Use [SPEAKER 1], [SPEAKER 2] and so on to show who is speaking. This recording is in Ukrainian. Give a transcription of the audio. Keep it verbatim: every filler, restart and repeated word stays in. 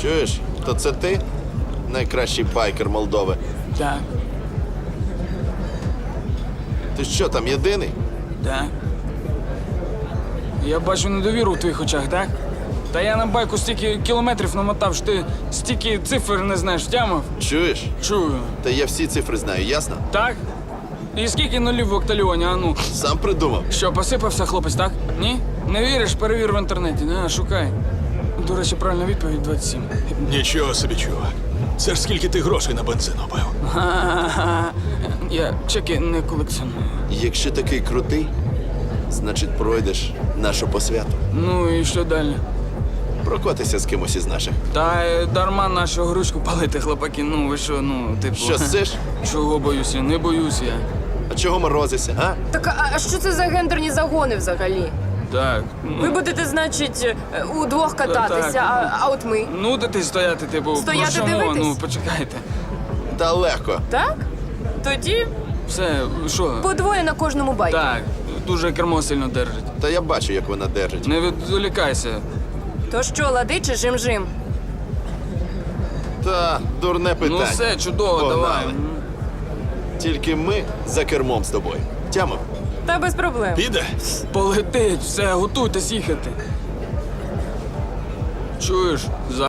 [SPEAKER 1] Чуєш, то це ти? Найкращий байкер Молдови.
[SPEAKER 2] Так,
[SPEAKER 1] Ти що, там єдиний?
[SPEAKER 2] так. Я бачу недовіру в твоїх очах, так? Та я на байку стільки кілометрів намотав, що ти стільки цифр не знаєш, втямив?
[SPEAKER 1] Чуєш?
[SPEAKER 2] Чую.
[SPEAKER 1] Та я всі цифри знаю, ясно?
[SPEAKER 2] Так? І скільки нулів в октальйоні, а ну?
[SPEAKER 1] Сам придумав.
[SPEAKER 2] Що, посипався хлопець, так? Ні? Не віриш? Перевір в інтернеті, на, шукай. До речі, правильна відповідь двадцять сім.
[SPEAKER 3] Нічого собі, чувак. Це ж скільки ти грошей на бензин убив.
[SPEAKER 2] Ха-ха-ха. Я чеки не колекціоную.
[SPEAKER 1] Якщо такий крутий, значить пройдеш нашу посвяту.
[SPEAKER 2] Ну і що далі?
[SPEAKER 1] Прокотися з кимось із наших.
[SPEAKER 2] Та е, дарма нашу грушку палити, хлопаки. Ну ви що, ну, типу.
[SPEAKER 1] Що сиш?
[SPEAKER 2] Чого боюся? Не боюсь я.
[SPEAKER 1] А чого морозишся, а?
[SPEAKER 4] Так, а- а що це за гендерні загони взагалі?
[SPEAKER 2] Так. Ну,
[SPEAKER 4] Ви будете, значить, е, удвох кататися,
[SPEAKER 2] Так.
[SPEAKER 4] а, а от ми.
[SPEAKER 2] нудити стояти, типу.
[SPEAKER 4] Стояти,
[SPEAKER 2] про що мова?
[SPEAKER 4] дивитись?
[SPEAKER 2] Ну, почекайте.
[SPEAKER 1] Та легко.
[SPEAKER 4] Так? Тоді
[SPEAKER 2] Все, що?
[SPEAKER 4] по двоє на кожному байку.
[SPEAKER 2] Так, дуже кермо сильно держить.
[SPEAKER 1] Та я бачу, як вона держить.
[SPEAKER 2] Не відволікайся.
[SPEAKER 4] То що, лади чи жим-жим?
[SPEAKER 1] Та дурне питання.
[SPEAKER 2] Ну все, чудово,
[SPEAKER 1] Погнали.
[SPEAKER 2] давай.
[SPEAKER 1] Тільки ми за кермом з тобою. Тямов?
[SPEAKER 4] Та без проблем.
[SPEAKER 3] Піде?
[SPEAKER 2] Полетить, все, готуйтесь їхати. Чуєш? За